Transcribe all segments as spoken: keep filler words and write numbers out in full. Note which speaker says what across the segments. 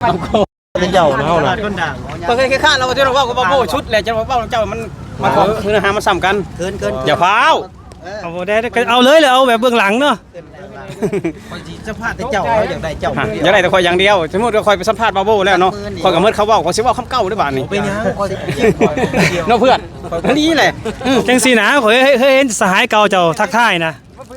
Speaker 1: เป็นเจ้าเฮาน่ะก็เคยข้านเราที่เราว่าก็บ่โบชุดแหละจะว่าเจ้ามันมันของคือหามาซ้ำกันเกินเกินอย่าพาว
Speaker 2: เอาได้เอาเลยเลยเอาแบบเบื้องหลังเนาะ
Speaker 1: คอยจะพาแต่เจ้าอยากได้เจ้าอยากได้แต่คอยอย่างเดียวสมมุติว่าคอยไปสัมภาษณ์บาโบแล้วเนาะคอยกับเมื่อเขาเว้าเขาสิเว้าคำเก่าหรือเปล่านี่เป็นหยังคอยเนาะเพื่อนอันนี้แหละ
Speaker 2: จังซี่นะข่อยเฮ้ยเห็นสหายเก่าเจ้าทักทายนะ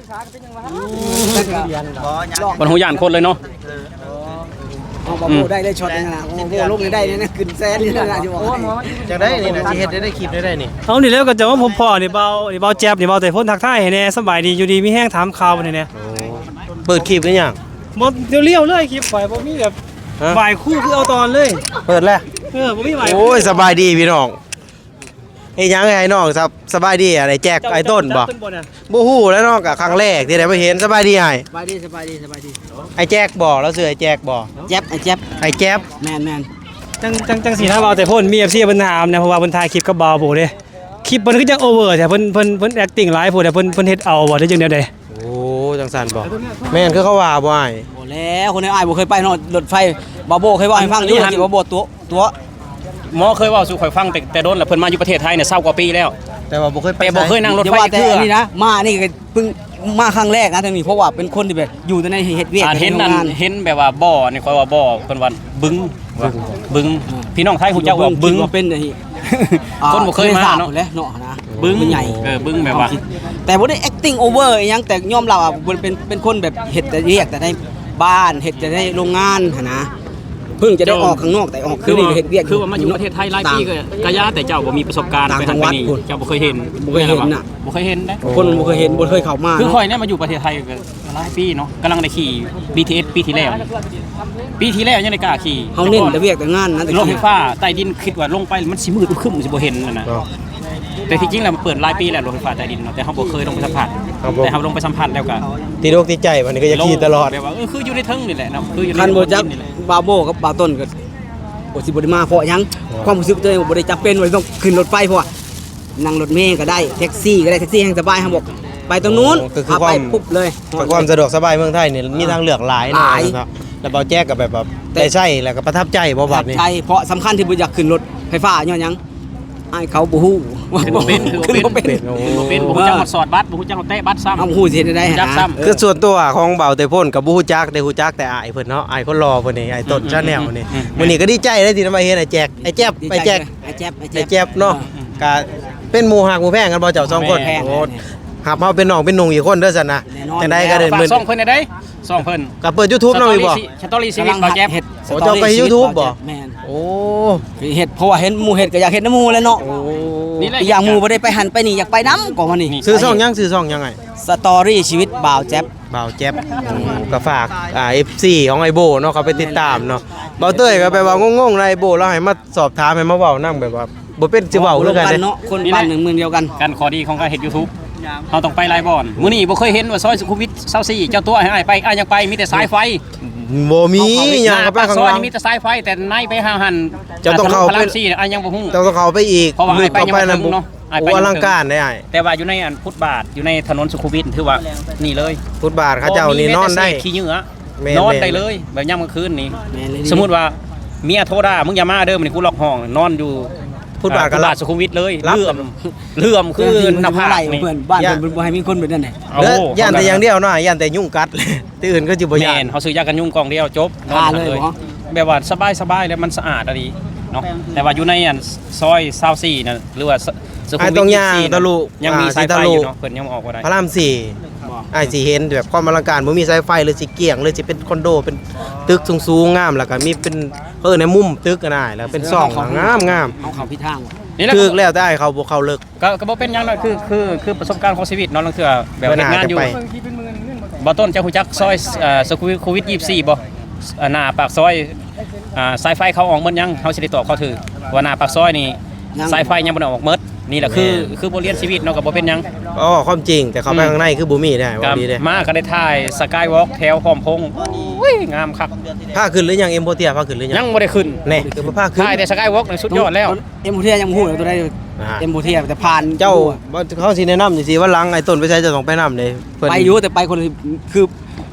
Speaker 1: บ่ฮู้ย่านคนเลยเนาะ
Speaker 3: เอาบ่โบได้ได้ช็อตนึงนะโอ้โหลงได้นะขึ้นแสนนี่นะสิบอก
Speaker 1: จังได้นี่นะสิเฮ็ดได้คลิปได้ได้นี่
Speaker 2: เอานี่แล้วก็จะว่าผมพ่อนี่เบานี่เบาแจ๊บนี่เบาแต่พ้นทักทายให้แน่สบายดีอยู่ดีมีแห้งถามข่าวนี่แน่
Speaker 1: เปิดคลิปได้ยัง
Speaker 2: บ่เลี้ยวๆเลยคลิปข่อยบ่มีแบบบ่ายคู่คือเอาตอนเลย
Speaker 1: เปิดแล้ว
Speaker 2: เออบ่มีบ่าย
Speaker 1: โอ้ยสบายดีพี่น้องเฮ็ดหยังไงน้องครับสบายดีอะไรแจกไอ้ต้นบ่บ่ฮู้แล้วน้องก็ครั้งแรกที่ได้มาเห็นสบายดีไอ้
Speaker 3: สบายดีสบายดีสบายดี
Speaker 1: ไอ้แจกบ่แล้วซื้อไอ้แจกบ่
Speaker 3: แจ๊บไอ้แจ๊บ
Speaker 1: ไอ้แจ๊บ
Speaker 3: แม่น
Speaker 2: ๆจังจังจังสีนะเบาแต่พ้นมี เอฟ ซี เพิ่นถามนะเพราะว่าเพิ่นถ่ายคลิปกับเบาโบเด้คลิปเพิ่นคือจังโอเวอร์แต่เพิ่นเพิ่นเพิ่นแอคติ้งหลายโพดแต่เพิ่นเพิ่นเฮ็ดเอาบ่ได้จังได๋ได้
Speaker 1: โอ้จังซั่นบ่แม่นคือเขาว่าบ่อ้าย
Speaker 3: บ่แล้วคนในอ้ายบ่เคยไปเนาะรถไฟบาโบเคยว่าให้ฟังอยู่สิบาโบตัวตัว
Speaker 1: หมอเคยเว้าสู่ข่อยฟังแต่แต่โดนแล้วเพิ่นมาอยู่ประเทศไทยเนี่ยเศร้ากว่าปีแล้วแต่ว่าบ่เคยไปบ่เคยนั่งรถไฟ
Speaker 3: เทื่อนี่นะมานี่ก็เพิ่งมาครั้งแรกนะทางนี้เพราะว่าเป็นคนที่แบบอยู่ในเฮ็ดเวียก
Speaker 1: เห็นนั่นเห็นแบบว่าบ่อนี่ข่อยว่าบ่อเพิ่นว่าบึ้งบึ้งพี่น้องไทยฮู้จักว่าบึ้ง
Speaker 3: เป็นไอ้
Speaker 1: คนบ่เคยมาเนาะ
Speaker 3: แล้วเนาะนะ
Speaker 1: บึ้งใหญ่เออบึ้งแบบว่า
Speaker 3: แต่บ่ได้ acting over อีหยังแต่ยอมรับว่าเป็นเป็นคนแบบเฮ็ดแต่เรียกแต่ในบ้านเฮ็ดแต่ในโรงงานหั่นนะเพิ่งจะได้ออกข้างนอกแต่ออกคือเฮ็ดเวียก
Speaker 1: คือว่ามาอยู่ประเทศไทยหลายปีก็กะยาแต่เจ้าบ่มีประสบการณ์ไปทางนี้เจ้าบ่เคยเห็น
Speaker 3: บ่เคยเห็นน่ะ
Speaker 1: บ่เคยเห็นได้
Speaker 3: คนบ่เคยเห็นบ่เคยเข้ามา
Speaker 1: คือข่อยเนี่ยมาอยู่ประเทศไทยก็หลายปีเนาะกำลังได้ขี่ บี ที เอส ปีที่แล้วปีที่แล้วยังได้กล้าขี่
Speaker 3: เฮาเน้นแต่เวียกแต่งานนะ
Speaker 1: รถไฟฟ้าใต้ดินคิดว่าลงไปมันสิมืดครึ้มสิบ่เห็นนั่นน่ะแต่ที่จริงแล้วมันเปิดหลายปีแล้วรถไฟฟ้าใต้ดินเนาะแต่เฮาบ่เคยลงไปสัมผัสแต่เฮาลงไปสัมผัสแล้วก็
Speaker 4: ติดอกติดใจวันนี้ก็จะขี่ตลอด
Speaker 1: แบบว่าเออคืออยู่ในเทิงนี่แหละเนาะคืออยู่ใน
Speaker 3: คันบ่จักบาโบกับบาต้นก็บ่สิบ่ได้มาเพราะหยังความรู้สึกตัวเองบ่ได้จำเป็นว่าต้องขึ้นรถไฟเพราะว่านั่งรถเมล์ก็ได้แท็กซี่ก็ได้แท็กซี่แห่งสบายเฮาบอกไปตรงนู้นพาไปปุ๊บเลย
Speaker 4: ความสะดวกสบายเมืองไทยนี่มีทางเลือกหลายนะครับแล้วเบาแจ๊กก็แบบแบบได้ใช้แล้วก็ประทับใจบ่บัดนี่
Speaker 3: ใช่เพราะสำคัญที่บ่อยากขึ้นรถไฟฟ้าย้อนหยังอ้ายเขาบ่ฮู้
Speaker 1: ว่าบ่เป็นคือบ่เป็นบ่เป็นบ่ฮู้จักสอดบัตรบ่ฮู้จักเตะบัตรซ้ำ
Speaker 3: เอาฮู้สิเฮ็ดได้ฮะ
Speaker 4: คือส่วนตัวของเบาแต่พ่นกับบ่ฮู้จักได้ฮู้จักแต่อ้ายเพิ่นเนาะอ้ายคนรอเพิ่นนี่อ้ายต้นชาแนลนี่มื้อนี้ก็ดีใจได้ที่ได้มาเห็นไอ้แจ๊กไอ้แจ๊บไอ้แจ๊ก
Speaker 3: ไอ้แจ๊บไอ้
Speaker 4: แจ๊บเนาะก็เป็นหมู่ฮักหมู่แพงกันบ่เจ้าสองคนโอ้ครับเฮาเป็นน้องเป็นนุ่งอีกคนเด้อซั่นนะจังได๋ก็ได้
Speaker 1: มื้อสองเพิ่นได้สองเพิ่น
Speaker 4: ก็เปิด YouTube เนาะอีบ่
Speaker 1: สตอรี่ชีวิตเบาแจ๊บ
Speaker 4: โอ้เจ้าไป YouTube บ่
Speaker 3: แม่น
Speaker 4: โอ้
Speaker 3: เฮ็ดเพราะว่าเห็นหมู่เฮ็ดก็อยากเฮ็ดนำหมู่แหละเนาะนี่แหละอย่างหมู่บ่ได้ไปหันไปนี่อยากไปนำก็ว่านี่
Speaker 4: ชื่อช่องหยังชื่อช่องยังไง
Speaker 3: สตอรี่ชีวิตบ่าวแจ๊บ
Speaker 4: บ่าวแจ๊บก็ฝากอ่า เอฟ ซี ของไอ้โบเนาะเขาไปติดตามเนาะเบาเต้ยก็ไปว่างงๆในไอ้โบแล้วให้มาสอบถามให้มาเว้านำแบบว่าบ่เป็นสิเว้าคือกัน
Speaker 3: เนาะคนบ้านหนึ่งเมืองเดียวกัน
Speaker 1: กันข้อดีของการเฮ็ด YouTube เฮาต้องไปหลายบ่อนมื้อนี้บ่เคยเห็นว่าซอยสุขุมวิทยี่สิบสี่เจ้าตัวให้อ้ายไปอ้ายยังไปมีแต่สายไฟ
Speaker 4: บ่มีหยังก็ไปข้าง
Speaker 1: ซอยมีแต่สายไฟแต่ในไปหาหัน
Speaker 4: เจ้าต้องเข้าไป
Speaker 1: อ้ายยังบ่ฮู้
Speaker 4: เจ้าต้องเข้าไปอีก
Speaker 1: เพราะว่าอ้ายไปยังบ่ถึงเนาะ
Speaker 4: อ้ายไปอลังการได้อ้าย
Speaker 1: แต่ว่าอยู่ในอันฟุตบาทอยู่ในถนนสุขุมวิทถือว่านี่เลย
Speaker 4: ฟุตบาทเขาเจ้านี่นอนได้
Speaker 1: ขี้เหงื่อนอนได้เลยแบบยามกลางคืนนี่สมมุติว่าเมียโทรด่ามึงอย่ามาเด้อมื้อนี้กูล็อกห้องนอนอยู่
Speaker 4: ฟุตบาทกับ
Speaker 1: สุขุมวิทเลยเลื่อมเลื่อมคือหน้าผาก
Speaker 3: นี่เพื่อนบ้านเพิ่นบ่ให้มีคนแบบนั้นน่ะ
Speaker 4: เด้อย่านแต่อย่างเดียวเนาะย่านแต่ยุ่งกัดที่อื่นก็สิบ่ย่าน
Speaker 1: เฮาซื้อยากันยุงกล่องเดียวจบนอนเลยแบบว่าสบายๆแล้วมันสะอาดอะดีเนาะแต่ว่าอยู่ในอันซอยยี่สิบสี่น่ะหรือว่าสุขุมวิทยี่สิบสี่ยังมีสายไฟอยู่เนาะเพิ่นยังออกบ่ได้
Speaker 4: พระรามสี่อ้ายสิเห็นแบบความอลังการบ่มีสายไฟเลยสิเกี่ยงเลยสิเป็นคอนโดเป็นตึกสูงๆงามแล้วก็มีเป็นเออในมุมตึกก็ได้แล้วเป็นซ่องงามๆ
Speaker 3: เอาเข้าพิทาง
Speaker 4: คือแล้วได้เขาบ่เข้าเลิก
Speaker 1: ก็ก็บ่เป็นหยังเนาะคือคือคือประสบการณ์ของชีวิตเนาะลางเทื่อแบบเฮ็ดงานอยู่บ่ต้นเจ้าฮู้จักซอยเอ่อสุขุมวิทยี่สิบสี่บ่หน้าปากซอยอ่าสายไฟเขาออกหมดยังเฮาสิได้ตอบเขาถือว่าหน้าปากซอยนี่สายไฟยังบ่ได้ออกหมดนี่แหละคือคือบทเรียนชีวิตเนาะก็บ่เป็นหยัง
Speaker 4: อ๋อความจริงแต่เขาไปข้างในคือบ่มีได้ว่าดีเด้
Speaker 1: มาก็ได้ถ่ายสกายวอล์กแถวหอมพงโอ้ยงามคัก
Speaker 4: พาขึ้นหรือยังเอ็มโพเทียพาขึ้นหรือยัง
Speaker 1: ยังบ่ได้ขึ้น
Speaker 4: แน่คือบ่พาขึ้น
Speaker 1: ถ่ายแต่สกายวอล์กนี่สุดยอดแล้ว
Speaker 3: เอ็มโพเทียยังบ่ฮู้ตัวใดเอ็มโพเทียแต่ผ่าน
Speaker 4: เจ้าเขาสิแนะนำจังซี่ว่าหลังไอ้ต้นไปใช้จะต้องไปนำเด้
Speaker 3: ไปอยู่แต่ไปคนคือ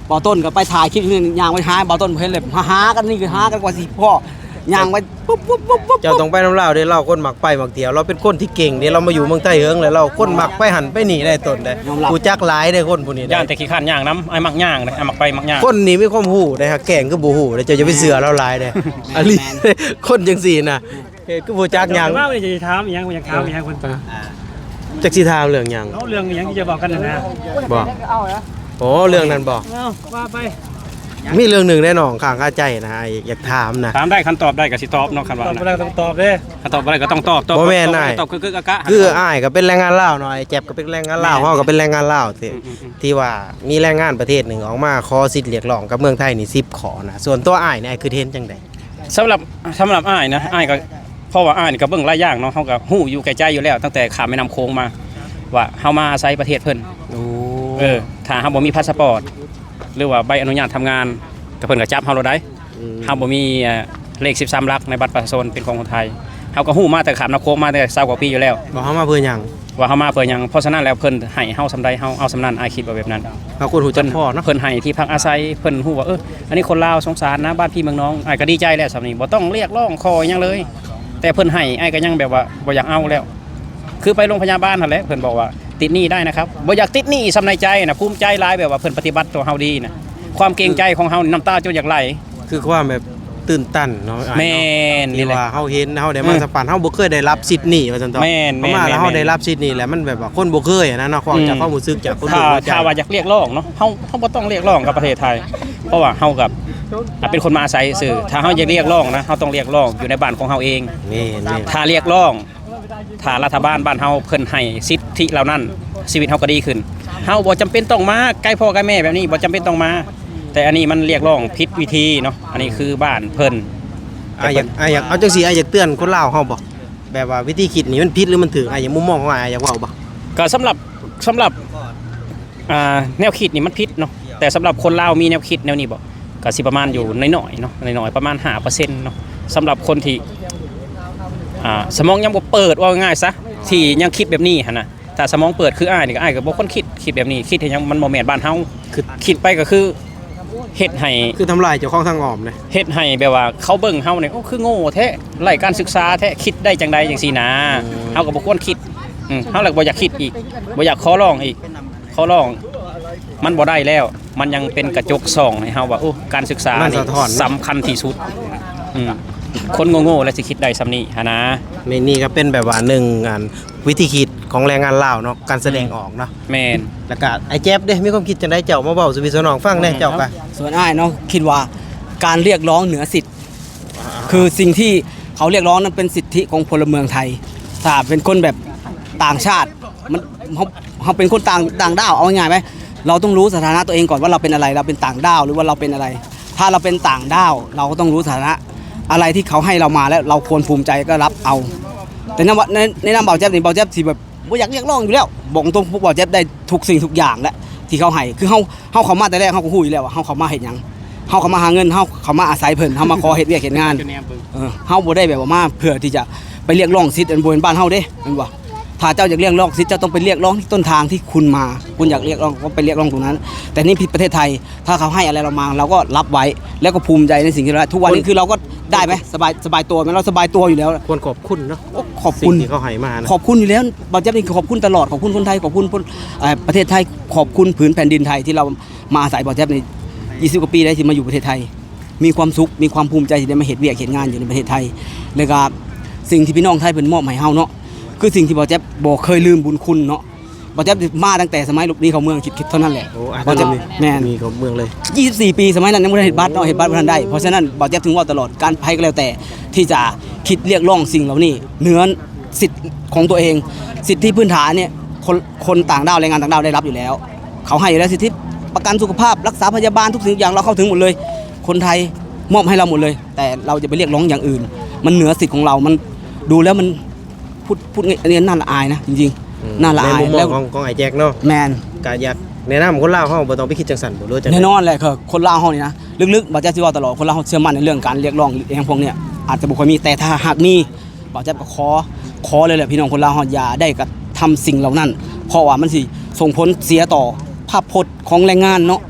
Speaker 3: บ่อต้นก็ไปถ่ายคลิปนึงย่างไว้หาบ่อต้นเพิ่นเลยหาๆกันนี่คือหากันกว่าสิพ่อย่างไว้ปุ๊บปุ๊บปุ๊บปุ๊บ
Speaker 4: เจ้าต้องไปน้ำลาวเด้เราคนมักไปมักเที่ยวเราเป็นคนที่เก่งเด้เรามาอยู่เมืองใต้เฮิงแล้วเราคนมักไปหันไปนี่ได้ต้นได้กูจักหลายได้คนผู้นี้
Speaker 1: ย่าน
Speaker 4: ได้
Speaker 1: แต่ขี้ข้านย่างน้ำไอ้มักย่างนะไอ้มักไปมักย่าง
Speaker 4: คนนี้มีความหูได้ฮะแก่งคือบ่หูได้เจ้าจะไปเสือเราหลายได้อันนี้คนจังซี่น่ะเฮ็ดคือบ่จักหยัง
Speaker 2: ว่าจะถามอีหยังอยากถามอีหยังเพิ่น
Speaker 4: จักสิถามเรื่องหยัง
Speaker 2: เอาเรื่องอีหยังที่จะบอกกันน่ะนะ
Speaker 4: บ่โอ้เรื่องนั้นบ่
Speaker 2: เอาว่าไป
Speaker 4: มีเรื่องหนึงแน่นอนข้างคาใจนะฮะอยากถามนะ
Speaker 1: ถามได้คันตอบได้ก็สิตอบเนาะคันว่า
Speaker 2: ตอบ
Speaker 1: นะ
Speaker 2: บ่ได้ต้องตอบเด้
Speaker 1: คันตอบบ่ได้ก็ต้องตอบตอบ
Speaker 4: บ่แม่น
Speaker 1: ตอบ
Speaker 4: นาย
Speaker 1: ตอบคือๆกะกะ
Speaker 4: คืออ้ายก็เป็นแรงงานลาวเนาะไอ้แจ็บก็เป็นแรงงานลาวเฮาก็เป็นแรงงานลาวที่ที่ว่ามีแรงงานประเทศหนึ่งออกมาขอสิทธิ์เรียกร้องกับเมืองไทยนี่สิบขอนะส่วนตัวอ้ายเนี่ยอ้ายคือเห็นจังได๋
Speaker 1: สำหรับสำหรับอ้ายนะอ้ายก็เพราะว่าอ้ายนี่ก็เบิ่งหลายอย่างเนาะเฮาก็ฮู้อยู่แก่ใจอยู่แล้ว ตั้งแต่ข้ามแม่น้ำโขงมาว่าเฮามาอาศัยประเทศเพิ่น
Speaker 4: โอ้
Speaker 1: เออถ้าเฮาบ่มีพาสปอร์ตหรือว่าใบอนุญาตทำงานก็เพิ่นก็จับเฮาเราได้เฮาบ่มีเอ่อเลขสิบสามหลักในบัตรประชาชนเป็นของคนไทยเฮาก็ฮู้มาแต่ข้ามน้ำโขงมาแต่ยี่สิบกว่าปีอยู่แล้ว
Speaker 4: บ่เฮามาเพื่อหยัง
Speaker 1: ว่าเฮามาเพื่อหยังเพราะฉะนั้นแล้วเพิ่นให้เฮาสำใดเฮาเอาสำนั้นอ้ายคิดว่าแบบนั้น
Speaker 4: เฮาคนหูจั
Speaker 1: เพิ่
Speaker 4: ก
Speaker 1: น
Speaker 4: พ่อเนาะ
Speaker 1: เพิ่นให้ที่พักอาศัยเพิ่นฮู้ว่าเอออันนี้คนลาวสงสารนะบ้านพี่เมืองน้องอ้ายก็ดีใจแล้วสำนี้บ่ต้องเรียกร้องขอหยังเลย แต่เพิ่นให้อ้ายก็ยังแบบว่าบ่อยากเอาแล้ว คือไปโรงพยาบาลนั่นแหละเพิ่นบอกว่าติดหนี้ได้นะครับบ่อยากติดหนี้สำในใจนะภูมิใจหลายแบบว่าเพิ่นปฏิบัติตัวเฮาดีนะความเกรงใจของเฮานี่น้ำตาจนอยากไหล
Speaker 4: คือความแบบตื่นตันเนาะอ้าย
Speaker 1: แม่น
Speaker 4: เนาะ
Speaker 1: นี่
Speaker 4: ที่
Speaker 1: แหละ
Speaker 4: ว่าเฮาเห็นเฮาได้มา
Speaker 1: อืม
Speaker 4: สัมผัสเฮาบ่เคยได้รับสิทธิ์นี่ว่าซั่นตอ
Speaker 1: แม่นแม่น
Speaker 4: เข้ามาแล้วเฮา
Speaker 1: แม่น
Speaker 4: ได้รับสิทธิ์นี่แหละมันแบบว่าคนบ่เคยอะนะเนาะความจากความรู้สึกจากคน
Speaker 1: ถ้า
Speaker 4: บ่รู้จัก
Speaker 1: ถ้าว่าอยากเรียกร้องเนาะเฮาเฮาบ่ต้องเรียกร้องกับประเทศไทย เพราะว่าเฮากับอ่ะเป็นคนมาอาศัยซื่อถ้าเฮาอยากเรียกร้องนะเฮาต้องเรียกร้องอยู่ในบ้านของเฮาเอง
Speaker 4: นี่นี่
Speaker 1: ถ้าเรียกร้องถ้ารัฐบาลบ้านเฮาเพิ่นให้สิทธิเหล่านั้นชีวิตเฮาก็ดีขึ้นเฮาบ่จำเป็นต้องมาใกล้พ่อใกล้แม่แบบนี้บ่จำเป็นต้องมา แต่อันนี้มันเรียกร้องผิดวิธีเนาะอันนี้คือบ้านเพิ่น
Speaker 4: อ้ายอยากอ้ายอยากเอาจังซี่อ้ายอยากเตือนคนลาวเฮาบ่แบบว่าวิธีคิดนี่มันผิดหรือมันถูกอ้ายอยากมุมมองของอ้ายอยากเว้าบ่
Speaker 1: ก็สำหรับสำหรับอ่าแนวคิดนี่มันผิดเนาะแต่สำหรับคนลาวมีแนวคิดแนวนี้บ่ก็สิประมาณอยู่น้อยๆเนาะน้อยๆประมาณ ห้าเปอร์เซ็นต์ เนาะสำหรับคนที่อ่าสมองยังบ่เปิดว่าง่ายๆซะที่ยังคิดแบบนี้หั่นน่ะถ้าสมองเปิดคืออ้ายนี่ก็อ้ายก็บ่คนคิดคิดแบบนี้คิดให้ยังมันบ่แม่นบ้านเฮาคือคิดไปก็คือเฮ็ดให้
Speaker 4: คือทำลายเจ้าของทางอ้อมเลย
Speaker 1: เฮ็ดให้แบบว่าเขาเบิ่งเฮาเนี่ยโอ้คือโง่แท้ไร้การศึกษาแท้คิดได้จังใดจังซี่นะเฮาก็บ่ควรคิดอืมเฮาเลยบ่อยากคิดอีกบ่อยากขอร้องอีกขอร้องมันบ่ได้แล้ว มันยังเป็นกระจกส่องให้เฮาว่าโอ้การศึกษา
Speaker 4: มัน
Speaker 1: นี่
Speaker 4: สะท้อนเนอะ
Speaker 1: สำคัญที่สุดอืมคนโง่ๆแล้วสิคิดได้ซำนี้หันนะ
Speaker 4: ในนี่ก็เป็นแบบว่าหนึ่งงานวิธีคิดของแรงงานลาวเนาะการแสดงออกเนาะ
Speaker 1: แม่น
Speaker 4: แล้วก็ไอ้แจ๊บเด้มีความคิดจังไดเจ้ามาเว้าสู่พี่สู่น้องฟังแหน่เจ้าก็
Speaker 3: ส่วนอ้ายเนาะคิดว่าการเรียกร้องเหนือสิทธิ์ คือสิ่งที่เขาเรียกร้องนั้นเป็นสิทธิของพลเมืองไทย ถ้าเป็นคนแบบต่างชาติมันเขาเขาเป็นคนต่างต่างด้าวเอาง่ายๆไหมเราต้องรู้สถานะตัวเองก่อนว่าเราเป็นอะไรเราเป็นต่างด้าวหรือว่าเราเป็นอะไร ถ้าเราเป็นต่างด้าวเราก็ต้องรู้สถานะอะไรที่เขาให้เรามาแล้วเราควรภูมิใจก็รับเอา แต่ในในในนามเบาแจ๊บนี่เบาแจ๊บสิแบบบ่อยากเรียกร้องอยู่แล้วบอกตรงพวกเบาแจ๊บได้ทุกสิ่งทุกอย่างแล้วที่เขาให้คือเฮาเฮาเข้ามาแต่แรกเฮาก็ฮู้อยู่แล้วว่าเฮาเข้ามาเฮ็ดหยังเฮาเข้ามาหาเงินเฮาเข้ามาอาศัยเพิ่นเฮามาขอเฮ็ดเวียกเฮ็ดงานเออเฮาบ่ได้แบบว่ามาเพื่อที่จะไปเรียกร้องสิทธิ์อันบ่เป็นบ้านเฮาเด้แม่นบ่ถ้าเจ้าอยากเรียกร้องสิทธิ์เจ้าต้องไปเรียกร้องที่ต้นทางที่คุณมาคุณอยากเรียกร้องก็ไปเรียกร้องตรงนั้น แต่นี่ผิดประเทศไทยถ้าเขาให้อะไรเรามาเราก็รับไว้แล้วก็ภูมิใจในสิ่งที่เราได้ทุกวันนี้คือเราก็ได้ไหมสบายสบายตัวไหมเราสบายตัวอยู่แล้ว
Speaker 4: ควรขอบคุณเนาะ
Speaker 3: โอ้ขอบ
Speaker 4: สิ่
Speaker 3: คุ
Speaker 4: ง
Speaker 3: ณ
Speaker 4: ที่เขาให้มานะ
Speaker 3: ขอบคุณอยู่แล้วบางแจ๊บนี่ขอบคุณตลอดขอบคุณคนไทยขอบคุณคนเอ่อประเทศไทยขอบคุณผืนแผ่นดินไทยที่เรามาอาศัยบางแจ๊บในยี่สิบกว่าปีได้ที่มาอยู่ประเทศไทย มีความสุขมีความภูมิใจที่ได้มาเห็นเวียกเห็นงานอยู่ในประเทศไทยแล้วก็สิ่งที่พี่น้องไทยเป็นมอบให้เฮาเนาะคือสิ่งที่บางแจ๊บบอกเคยลืมบุญคุณเนาะบางแจ๊บมาตั้งแต่สมัยหลบหนีเข้าเมืองคิดๆเท่านั้นแหละ
Speaker 4: โอ้อาจ
Speaker 3: บาง
Speaker 4: จะ
Speaker 3: แจ๊บ
Speaker 4: มี
Speaker 3: แม่น
Speaker 4: มีของเมืองเลย
Speaker 3: ยี่สิบสี่ ปีสมัยนั้นยังไม่ได้เห็นบัตรเนาะเห็นบัตรบ่ทันได้เพราะฉะนั้นบางแจ๊บถึงว่าตลอดการภัยก็แล้วแต่ที่จะคิดเรียกร้องสิ่งเหล่านี้เหนือสิทธิ์ของตัวเองสิทธิพื้นฐานเนี่ยคนคนต่างด้าวแรงงานต่างด้าวได้รับอยู่แล้ว เขาให้อยู่แล้วสิทธิประกันสุขภาพรักษาพยาบาลทุกสิ่งทุกอย่างเราเข้าถึงหมดเลย คนไทยมอบให้เราหมดเลย แต่เราจะไปเรียกร้องอย่างอื่น มันเหนือสิทธิ์ของเรามันดูแล้วมันพูดพูดอันนี้น่าละอายนะจริงๆน่าละ
Speaker 4: ใน
Speaker 3: อาย
Speaker 4: มุมมอ
Speaker 3: แล้
Speaker 4: ง
Speaker 3: ว
Speaker 4: ของของไอ้แจ็คเนาะ
Speaker 3: แมน
Speaker 4: ก็อยากแนะนำคนลาวเฮาบ่ต้องไปคิดจังซั่นบ่รู้จัง
Speaker 3: แน่นอนเลยคือคนลาวเฮานี่นะลึกๆบ่าวแจ๊บสิว่าตลอดคนลาวเฮาเชื่อมั่นในเรื่องการเรียกร้องอย่างพวกเนี้ยอาจจะบ่ค่อยมีแต่ถ้าหากมีบ่าวแจ๊บก็ขอขอเลยแหละพี่น้องคนลาวเฮาอย่าได้กระทำสิ่งเหล่านั้น เพราะว่ามันสิส่งผลเสียต่อภาพพจน์ของแรงงานเนาะ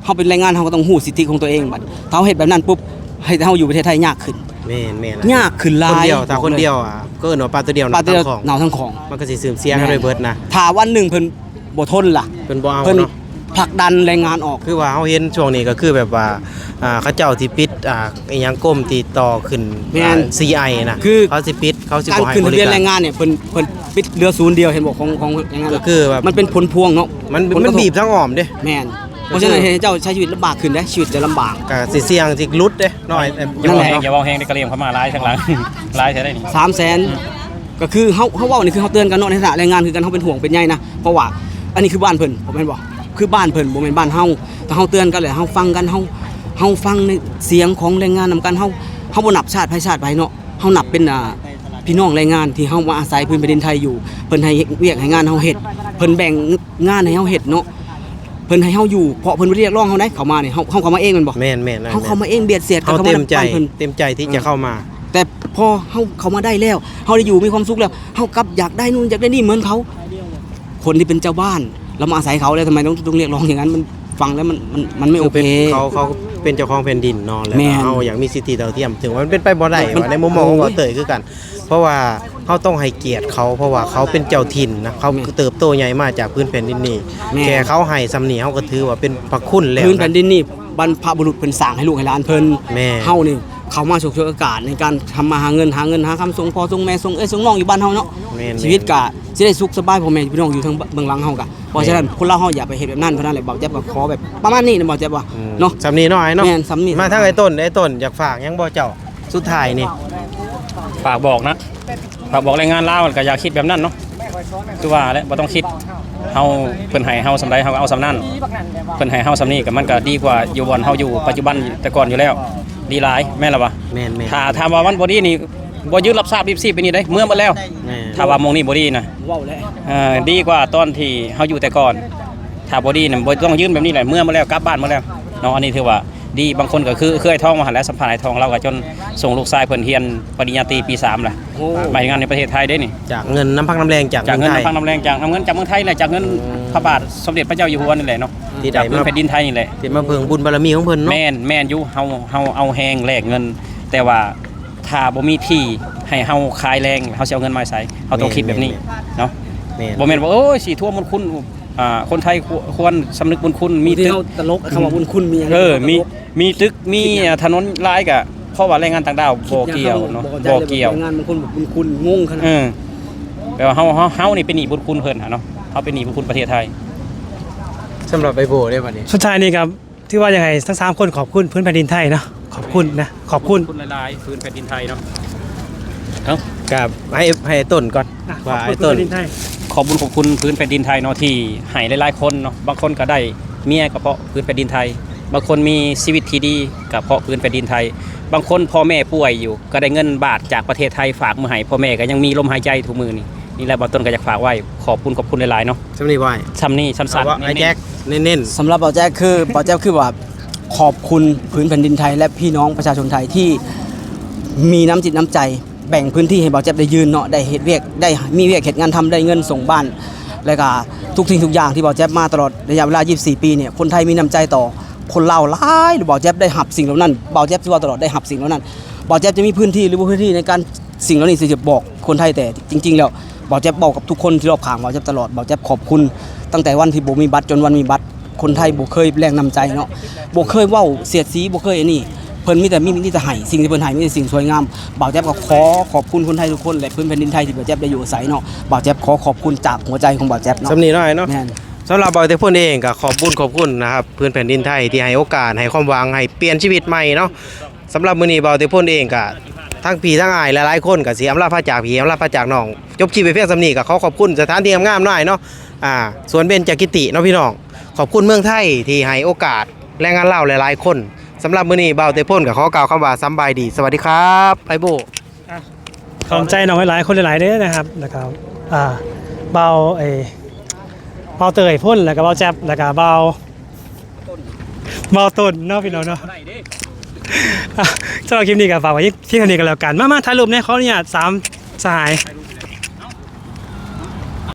Speaker 3: เฮาเป็นแรงงานเฮาก็ต้องฮู้สิทธิของตัวเองบัดถ้าเฮาเฮ็ดแบบนั้นปุ๊บให้เฮาอยู่ประเทศไทยยากขึ้น
Speaker 4: แม่นแม่น
Speaker 3: ยากขึ้นหลาย
Speaker 4: คนเดียวถ้าคนเดียวอ่ะก็เอิ้นว่าปลาตัวเดียว
Speaker 3: ปลาตัวเดียว
Speaker 4: ของ
Speaker 3: หนาวทั้งของ
Speaker 4: มันก็สิเสื่อมเสียกันด้วยเบิดนะ
Speaker 3: ถ้าวันหนึ่งเพิ่นบ่ทนล่ะ
Speaker 4: เพิ่นบ่เอา
Speaker 3: เพิ่น
Speaker 4: เนาะ
Speaker 3: ผลักดันแรงงานออก
Speaker 4: คือว่าเฮาเห็นช่วงนี้ก็คือแบบว่าอ่าเขาเจ้าที่ปิดอ่าอีหยังก้มติดต่อขึ้น
Speaker 3: แม่น
Speaker 4: อ่า ซี ไอ นะ
Speaker 3: คือ
Speaker 4: เขาสิปิดเขาสิ
Speaker 3: การ
Speaker 4: บ่ให้
Speaker 3: ขึ้น
Speaker 4: บ
Speaker 3: ทะ
Speaker 4: ริ
Speaker 3: เบียน
Speaker 4: กา
Speaker 3: แร
Speaker 4: รง
Speaker 3: งานเนี่ยเพิ่นเพิ่นปิดเรือศูนย์เดียวเห็นบอกของของแรงงาน
Speaker 4: ก็คือแบบ
Speaker 3: มันเป็นผลพวงเนาะ
Speaker 4: มัน
Speaker 3: ผลก
Speaker 4: มัน
Speaker 3: ระท
Speaker 4: บีบทั้งอ้อมเด้
Speaker 3: แม่นเพราะฉะนั้นให้เจ้าใช้ชีวิตลำบากขึ้นนะชีวิตจะลำบาก
Speaker 4: ก็สิเสี่ยงสิหลุดเด้น้อยแต่
Speaker 1: อย่า
Speaker 3: นั่
Speaker 1: เว้าน
Speaker 3: แหละ
Speaker 1: แฮงอย่าเว้าแฮงได้กระเหลี่ยมเข้ามาร้ายทั้งหลัง ร้ายใช่ได้นี่
Speaker 3: สามแสนก็คือเฮาเฮาเว้านี่คือเฮาเตือนกันเนาะในฐานะแรงงานคือกันเฮาเป็นห่วงเป็นใยนะเพราะว่าอันนี้คือบ้านเพิ่นผมแม่นบ่คือบ้านเพิ่นบ่แม่นบ้านเฮาแต่เฮาเตือนกันแหละเฮาฟังกันเฮาเฮาฟังในเสียงของแรงงานนำกันเฮาเฮาบ่นับชาติไผชาติไผเนาะเฮานับเป็นอ่าพี่น้องแรงงานที่เฮามาอาศัยพื้นแผ่นดินไทยอยู่เพิ่นให้เวียกให้งานเฮาเฮ็ดเพิ่นแบ่งงานให้เฮาเฮ็ดเนาะเพิ่นให้เฮาอยู่เพราะเพิ่นบ่ได้เรียกร้องเฮาได้เข้ามานี่เฮาเฮาเข้ามาเองแม่นบ่
Speaker 4: แม่นแม่นนะ
Speaker 3: เฮาเข้ามาเองเบียดเสียดกัน
Speaker 4: เขา
Speaker 3: เข้า
Speaker 4: เต็
Speaker 3: มาม
Speaker 4: ใจ
Speaker 3: บ้านเพิ่น
Speaker 4: เต็มใจที่จะเข้ามา
Speaker 3: แต่พอเฮาเขามาได้แล้วเฮาได้อยู่มีความสุขแล้วเฮากลับอยากได้นู่นอยากได้นี่เหมือนเขา คนที่เป็นเจ้าบ้านเรามาอาศัยเขาแล้วทำไมต้องต้องเรียกร้องอย่างนั้นมันฟังแล้วมันมันมันไม่โอ
Speaker 4: คือเป็
Speaker 3: เคน
Speaker 4: เขาเขาเป็นเจ้าของแผ่นดินเนอนแล้ว
Speaker 3: แม่น
Speaker 4: เขาอยากมีสิทธิเท่าเทียม ถึงว่ามันเป็นไปบ่ได้
Speaker 3: มัน
Speaker 4: ว่าในมุมมองของ
Speaker 3: โอ้
Speaker 4: บ่
Speaker 3: ย
Speaker 4: เตยคือกัน เพราะว่าเขาต้องให้เกียรติเขาเพราะว่าเขาเป็นเจ้าถิ่นนะเขา
Speaker 3: แม่น
Speaker 4: เติบโตใหญ่มาจากพื้นแผ่นดินนี้
Speaker 3: แม่น
Speaker 4: แค่เขาให้สำเนียเขาก็ถือว่าเป็นพระคุณแล้ว
Speaker 3: พื้นแผ่
Speaker 4: นะ
Speaker 3: นดินนี่บรรพบุรุษเพิ่นสร้างให้ลูกให้หลานเพิ่น
Speaker 4: แม่
Speaker 3: เฮานี่เขามาฉกฉวยโอกาสในการทำมาหาเงินหาเงินหาคำส่งพ่อส่งแม่ส่งเอ้ยส่งน้องอยู่บ้านเฮาเนาะ
Speaker 4: แม่น
Speaker 3: ชีวิตกะสิได้สุขสบายพ่อแม่พี่น้องอยู่ทางเบื้องหลังเฮากะเพราะฉะนั้นคนเราเฮาอย่าไปเฮ็ดแบบนั้นเพราะนั้นแหละบอกแจ๊บก็ขอแบบประมาณนี้นะบอกแจ๊บว่า
Speaker 4: อืม
Speaker 3: เนาะ
Speaker 4: สำนีน้อยเนาะ
Speaker 3: แม่นสำนี
Speaker 4: มาทางไอ้ต้นไอ้ต้นอยากฝากหยังบ่เจ้าสุดท้ายนี่
Speaker 1: ฝากบอกนะฝากบอกแรงงานลาวก็อย่าคิดแบบนั้นเนาะคือว่าแล้วบ่ต้องคิดเฮาเพิ่นให้เฮาสำใดเฮาก็เอาสำนั้นเพิ่นให้เฮาสำนี้ก็มันก็ดีกว่าอยู่บ่อนเฮาอยู่ปัจจุบันแต่ก่อนอยู่แล้ว ดีหลายแม่นล่ะวะ
Speaker 4: แม่นแม่น
Speaker 1: ถ้าถามว่ามันบ่ดีนี่บ่ยึดรับทราบรีบซีไปนี่ได้เมื่อหมดแล้ว
Speaker 4: แม่น
Speaker 1: ถ้าว่ามงนี่บ่ดีนะ
Speaker 3: เว้าแล้ว
Speaker 1: เอ่อดีกว่าตอนที่เฮาอยู่แต่ก่อน ถ้าบ่ดีน่ะบ่ต้องยืนแบบนี้แหละเมื่อมาแล้วกลับบ้านมาแล้วเนาะอันนี้ถือว่าดีบางคนก็คือเคยท่องมาหันแล้วสัมภาษณ์ไอ้ทองเราก็จนส่งลูกชายเพิ่นเรียนปริญญาตรีปีสามล่ะ
Speaker 3: โอ้
Speaker 1: ไปงานในประเทศไทยได้นี่
Speaker 4: จากเงินน้ำพักน้ำแรงจาก
Speaker 1: จากเงิน
Speaker 4: ไทย
Speaker 1: น้ำพังน้ำแรงจากน้ำเงินจากเมืองไทยแหละจากเงินพระบาทสมเด็จพระเจ้าอยู่หัวนี่แหละเนาะ
Speaker 4: ที่
Speaker 1: จาก
Speaker 4: ได้
Speaker 1: เมือง
Speaker 4: มา
Speaker 1: แผ่นดินไทยนี่แหละ
Speaker 4: ที่มาเพิ่งบุญบารมีของเพิ่นเนาะ
Speaker 1: แม่นแม่นอยู่เฮาเฮาเอาแฮงแลกเงิน แต่ว่าถ้าบ่มีที่ให้เฮาขายแรงเฮาสิเอาเงินมาใช้เฮาต้องคิดแบบนี้เนาะ
Speaker 4: แม่น
Speaker 1: บ่แม่นว่าโอ้ยสิทั่วมนต์คุณอ่าคนไทยควควรสำนึกบุญคุณมี
Speaker 3: มีที่
Speaker 1: ตึก
Speaker 3: เฮาตลกคำว่าบุญคุณมีหยัง
Speaker 1: เออมีมีตึกมีถนนหลายก็เพราะว่าแรงงานต่างดาวบ่เกี่ยวเนาะบ่เกี่ยว
Speaker 3: งานบางคนบอกบุญคุณงงขนาด
Speaker 1: เออแปลว่าเฮาเฮาเฮานี่เป็นหนี้บุญคุณเพิ่นหะเนาะเฮาเป็นหนี้บุญคุณประเทศไทย
Speaker 4: สำหรับไอโบได้บัดนี้
Speaker 2: สุดท้ายนี่ครับที่ว่ายังไงทั้งสามคนขอบคุณพื้นแผ่นดินไทยเนาะขอบคุณนะขอบคุณ
Speaker 1: คุณหลายๆพื้นแผ่นดินไทยเนาะ
Speaker 4: กับให้ให้ไอ้ต้นก่อน
Speaker 2: อ่ะขอ
Speaker 4: ว่า
Speaker 2: บคุ
Speaker 4: ไอ้
Speaker 2: ณพื้
Speaker 4: ต้
Speaker 2: น
Speaker 4: น
Speaker 2: แผ่นดินไทย
Speaker 1: ขอบคุญขอบคุณพื้นแผ่นดินไทยเนาะที่ให้หลายๆคนเนาะบางคนก็ได้เมียก็เพราะพื้นแผ่นดินไทย บางคนมีชีวิตที่ดีก็เพราะพื้นแผ่นดินไทย บางคนพ่อแม่ป่วยอยู่ ก็ได้เงินบาทจากประเทศไทยฝากมาให้พ่อแม่ก็ยังมีลมหายใจทุกมือนี่นี่แหละบางต้นก็อยากฝากไว้ขอบคุณขอบคุณหลายๆเนาะ
Speaker 4: สำนีไว้
Speaker 1: ซ้ำนี่สั้
Speaker 4: เอา
Speaker 1: น
Speaker 4: ว่า
Speaker 1: ๆ
Speaker 4: ไอ้แจ็คเน้น
Speaker 3: สำหรับเบาแจ๊กคือ เบาแจ๊กคือว่าขอบคุณพื้นแผ่นดินไทย และพี่น้องประชาชนไทยที่มีน้ำจิตน้ำใจ แบ่งพื้นที่ให้เบาแจ๊กได้ยืนเนาะได้เฮ็ดเวียกได้มีเวียกเฮ็ดงานทำได้เงินส่งบ้าน แล้วก็ทุกสิ่งทุกอย่างที่เบาแจ๊กมาตลอดระยะเวลายี่สิบสี่ปีเนี่ยคนไทยมีน้ำใจต่อคนลาวหลายหรือเบาแจ๊กได้หับสิ่งเหล่านั้นเบาแจ๊กที่ว่าตลอดได้หับสิ่งเหล่านั้นเบาแจ๊กจะมีพื้นที่หรือว่าพื้นที่ในการสิ่งเหล่านี้ที่จะบอกคนไทยแต่จริง ๆ แล้วเบาแจ๊กบอกกับทุกคนที่รอบข้างเบาแจ๊กตลอดเบาแจ๊กขอบคุณตั้งแต่วันที่บ่มีบัตรจนวันมีบัตรคนไทยบ่เคยแรงนำใจเนาะบ่เคยเว้าเสียดสีบ่เคยอันนี้เพิ่นมีแต่มีมีแต่ให้สิ่งที่เพิ่นให้มีแต่สิ่งสวยงามบ่าวแจ๊บก็ขอขอบคุณคนไทยทุกคนและพื้นแผ่นดินไทยที่บ่าวแจ๊บได้อยู่อาศัยเนาะบ่าวแจ๊บขอขอบคุณจากหัวใจของบ่าวแจ๊บ
Speaker 4: ๆ
Speaker 3: เนาะ
Speaker 4: สำนีน้อยเนาะ
Speaker 3: แม่น
Speaker 4: สำหรับบอยเตพ่นเองก็ขอบคุณขอบคุณนะครับพื้นแผ่นดินไทยที่ให้โอกาสให้ความหวังให้เปลี่ยนชีวิตใหม่เนาะสำหรับมื้อนี้บอยเตพ่นเองก็ทั้งพี่ทั้งอ้ายหลายๆคนก็สิอำลาพระจากพี่อำลาพระจากน้องจบชีพไปเพียงสำนี้ก็ขอขอบคุณสถานที่งามๆหน่อยเนาะอ่าสวนเบญจกิติเนาะพี่น้องขอบคุณเมืองไทยที่ให้โอกาสแรงงานลาวหลายๆคนสำหรับมื้อนี้บอยเตพ่นก็ขอกล่าวคำว่าสำบายดีสวัสดีครับไอโบ
Speaker 2: ขอบใจน้องหลายๆคนหลายๆเด้อนะครับแล้วก็อ่าเบาไอ้เบาเตยพ่นแล้วก็เบาแจ๊บแล้วก็เบาเบาต้นเนาะพี่น้องเนาะอ่ะสำหรับคลิปนี้ก็ฝากไว้ที่เท่านี้กันแล้วกันมามาถ่ายรูปเนี่ยเขาเนี่ยสามสหาย